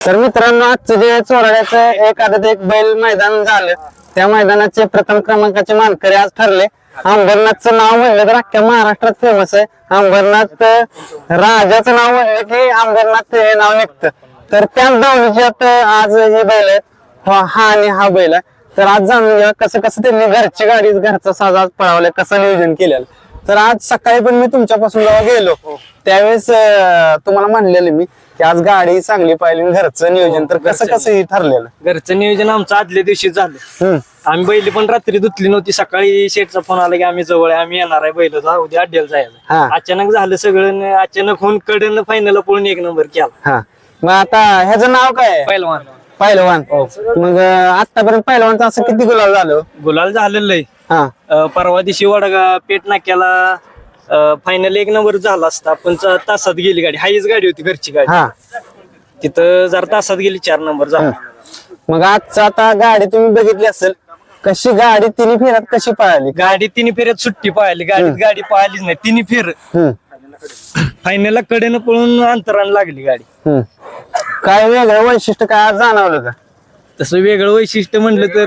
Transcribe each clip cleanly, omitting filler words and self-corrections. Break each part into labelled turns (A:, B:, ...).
A: तर मित्रांनो, आजचं जे चोराड्याचं एक आदत एक बैल मैदान झालं, त्या मैदानाचे प्रथम क्रमांकाचे मानकरी आज ठरले. अंबरनाथचं नाव म्हणलं तर अख्ख्या महाराष्ट्रात फेमस आहे. अंबरनाथ राजाचं नाव म्हणलं की अंबरनाथ हे नाव निघतं. तर त्याच दावणीच्यात आज हे बैल आहेत, हा आणि हा बैल आहे. तर आज जाणून घ्या कसं कसं त्यांनी घरची गाडी घरचा साज आज पळवलाय, कसं नियोजन केलेलं. तर आज सकाळी पण मी तुमच्यापासून जेव्हा गेलो त्यावेळेस तुम्हाला म्हणलेलं मी की आज गाडी चांगली पाहिली, घरचं नियोजन. तर कसं कसं हे ठरलेलं?
B: घरचं नियोजन आमचं आदल्या दिवशी झालं. आम्ही बैल पण रात्री धुतली नव्हती. सकाळी शेठचा फोन आला की आम्ही जवळ आहे, आम्ही येणार आहे, बैल उद्या अड्ड्याला जायचं. अचानक झालं सगळं, अचानक होऊन कडन फायनल पळून एक नंबर केला.
A: मग आता ह्याचं नाव काय?
B: पहिलवान.
A: पहिलवान. मग आतापर्यंत पहिलवानचं असं किती गुलाल झालं?
B: गुलाल झालेलं आहे. परवा दिवशी वडगा पेट नाक्याला फायनल एक नंबर झाला असता, पण तासात गेली गाडी. हाईच गाडी होती, घरची गाडी. तिथं जर तासात गेली 4 नंबर झाला.
A: मग आजचं आता गाडी तुम्ही बघितली असेल, कशी गाडी तिन्ही फेऱ्यात कशी पळाली?
B: गाडी तिन्ही फेऱ्यात सुट्टी पाहिली, गाडी पाहिलीच नाही तिन्ही फेर. फायनलला कडेनं पळून अंतरानं लागली गाडी.
A: काय वेगळं वैशिष्ट्य काय आज जाणवलं का?
B: तसं वेगळं वैशिष्ट्य म्हणलं तर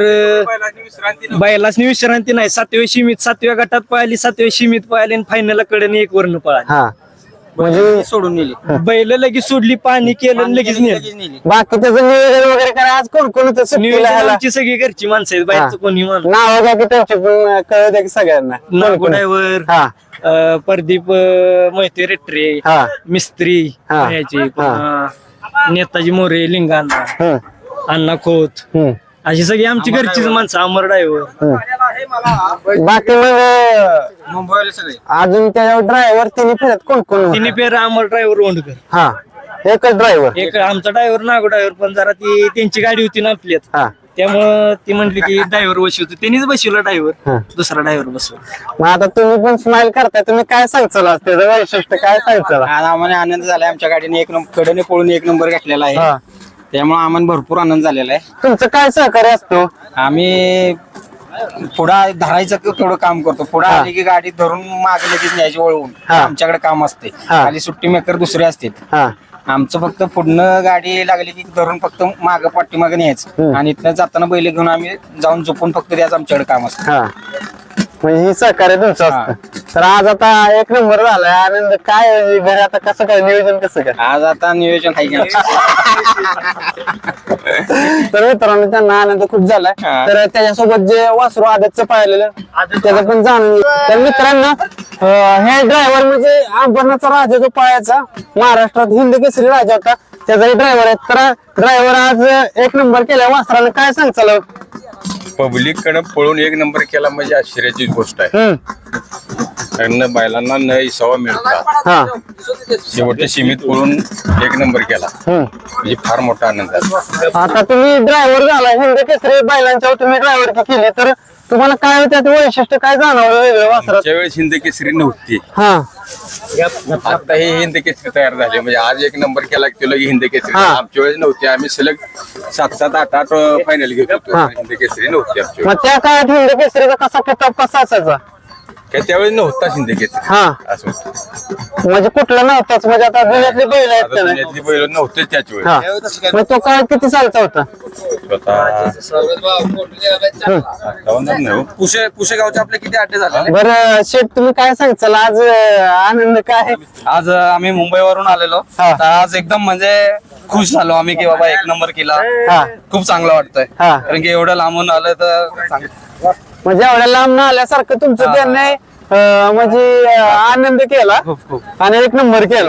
B: बैलासनी विश्रांती नाही. 7व्या सीमित 7व्या गटात पाहिली, 7व्या सीमित पाहिली, आणि फायनलला कडेनं एक वर्ण पळाली.
A: म्हणजे
B: सोडून नेली बैल, लगेच सोडली, पाणी केलं, लगेच नेली.
A: बाकी त्याचं नियोजन वगैरे काय आज कोण कोण
B: आमची सगळी घरची माणसं आहेत, बाहेरचं कोणी माणूस.
A: नाव घ्या की त्यांची पण कळत की सगळ्यांना.
B: नागो ड्रायव्हर, प्रदीप मोहिते रेट्रे, मिस्त्री याची, नेताजी मोरे, लिंगाणा, अण्णा खोत, अशी सगळी आमची घरचीच माणसं. अमर ड्रायव्हर.
A: बाकी मग
B: मुंबईला सगळे
A: अजून त्याच्यावर ड्रायव्हर तिन्ही फेऱ्यात कोण कोण?
B: तिन्ही पेर अमर ड्रायव्हर ओंडकर.
A: एकच ड्रायव्हर.
B: एक आमचा ड्रायव्हर नागो ड्रायव्हर, पण जरा ती त्यांची गाडी होती ना आपल्यात, त्यामुळं ती म्हटली की ड्रायव्हर बसवतो. त्यांनीच बसवला ड्रायव्हर, दुसरा ड्रायव्हर बसवला.
A: मग आता तुम्ही पण स्माइल करताय, तुम्ही काय सांगचाल त्याचं वैशिष्ट्य काय सांगचाल?
C: आज आम्हाला आनंद झालाय, आमच्या गाडीने एक कडे पळून एक नंबर घेतलेला आहे, त्यामुळे आम्हाला भरपूर आनंद झालेला आहे.
A: तुमचं काय सहकार्य असतो?
C: आम्ही पुढा धरायचं तेवढं काम करतो. पुढे आली की गाडी धरून मागे लगेच न्यायची वळवून, आमच्याकडे काम असते. खाली सुट्टी मेकर दुसरे असतात. आमचं फक्त पुढनं गाडी लागली की धरून फक्त माग पाठीमागे न्यायचं, आणि इथनं जाताना बैल घेऊन आम्ही जाऊन झोपून फक्त द्यायचं, आमच्याकडे काम असतं.
A: म्हणजे ही सहकार्य तुमचं असतं. तर आज आता एक नंबर झालाय, आनंद काय घरी आता कसं काय नियोजन कसं काय?
C: आज आता नियोजन आहे.
A: तर मित्रांनो, त्यांना आनंद खूप झालाय. तर त्याच्यासोबत जे वासरू आदतचं पाहिलेलं त्याचं पण जाणून. तर मित्रांनो, हे ड्रायव्हर म्हणजे अंबरनाथचा राजा जो पायाचा महाराष्ट्रात हिंद केसरी राजा होता, त्याचाही ड्रायव्हर आहे. तर ड्रायव्हर आज एक नंबर केला वासरानं, काय सांगचाल?
D: पब्लिक कडे पळून एक नंबर केला म्हणजे आश्चर्याची गोष्ट आहे. कारण बैलांना न इसावा मिळतात, शेवटच्या सीमित पळून एक नंबर केला म्हणजे फार मोठा आनंद आहे.
A: आता तुम्ही ड्रायव्हर झाला, हिंद केसरी बैलांच्या तुम्ही ड्रायव्हर केली, तर तुम्हाला काय त्यात वैशिष्ट्य काय जाणवलं वेगळं वासरात?
D: त्यावेळेस हिंद केसरी नव्हती, आता हे हिंद केसरी तयार झाले. म्हणजे आज एक नंबर केला केलं की हिंद केसरी. आमच्या वेळेस नव्हती, आम्ही सलग 7-7, 8-8 फायनल घेत होतो. हिंद केसरी नव्हती आमच्या.
A: मग त्या काळात हिंद केसरीचा कसा किताब कसा असायचा?
D: काय त्यावेळेस नव्हता हिंद केसरी असं होतं.
A: म्हणजे कुठला नव्हताच, म्हणजे आता दुनियातली बैल आहेत का नाही?
D: पुण्यातली बैल नव्हते त्याच वेळेस.
A: मग तो काळ किती सालचा होता?
C: पुशेगावचे आपले किती अड्डे झाले?
A: बरं शेठ, तुम्ही काय सांगचाल आज आनंद काय?
C: आज आम्ही मुंबईवरून आलेलो, तर आज एकदम म्हणजे खुश झालो आम्ही की बाबा एक नंबर केला. खूप चांगलं वाटतंय, कारण की एवढं लांबून आलं तर
A: म्हणजे एवढ्या लांब न आल्यासारखं तुमचं त्यांनी म्हणजे आनंद केला आणि एक नंबर केला.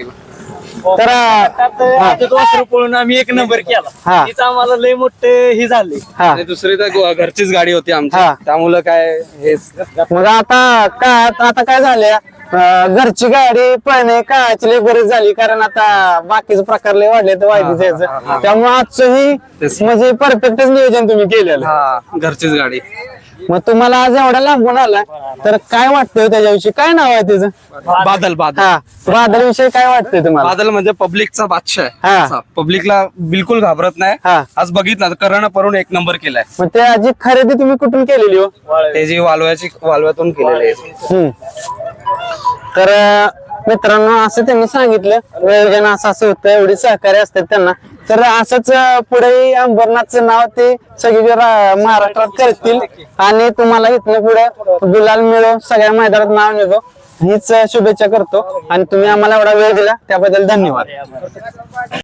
A: तर
B: वासरू पळून आम्ही एक नंबर केला, तिचं आम्हाला लय मोठं हे झाले.
C: दुसरी तर घरचीच गाडी होती आमची, त्यामुळं काय हेच.
A: मग आता काय झाले, घरची गाडी पळणे काळाची लय गरज झाली, कारण आता बाकीचे प्रकार लय वाढले तर वायदीचं. त्यामुळे आजचं ही म्हणजे परफेक्टच नियोजन तुम्ही केलेलं.
C: घरचीच गाडी.
A: मग तुम्हाला आज एवढा लांबून आला, तर काय वाटतंय त्याच्याविषयी? काय नाव आहे त्याचं?
C: बादल.
A: बादल विषयी काय वाटतंय तुम्हाला?
C: बादल म्हणजे पब्लिकचा बादशाह आहे. पब्लिकला बिलकुल घाबरत नाही. आज बघितलं करण परून एक नंबर केलाय.
A: मग त्याची खरेदी तुम्ही कुठून केलेली हो?
C: त्याची वालव्यातून केलेली आहे.
A: तर मित्रांनो, असं त्यांनी सांगितलं नियोजन असं होतं, एवढी सहकार्य असतात त्यांना. तर असंच पुढे अंबरनाथचं नाव ते सगळे महाराष्ट्रात करतील आणि तुम्हाला इथनं पुढे गुलाल मिळो, सगळ्या मैदानात नाव निघो हीच शुभेच्छा करतो आणि तुम्ही आम्हाला एवढा वेळ दिला त्याबद्दल धन्यवाद.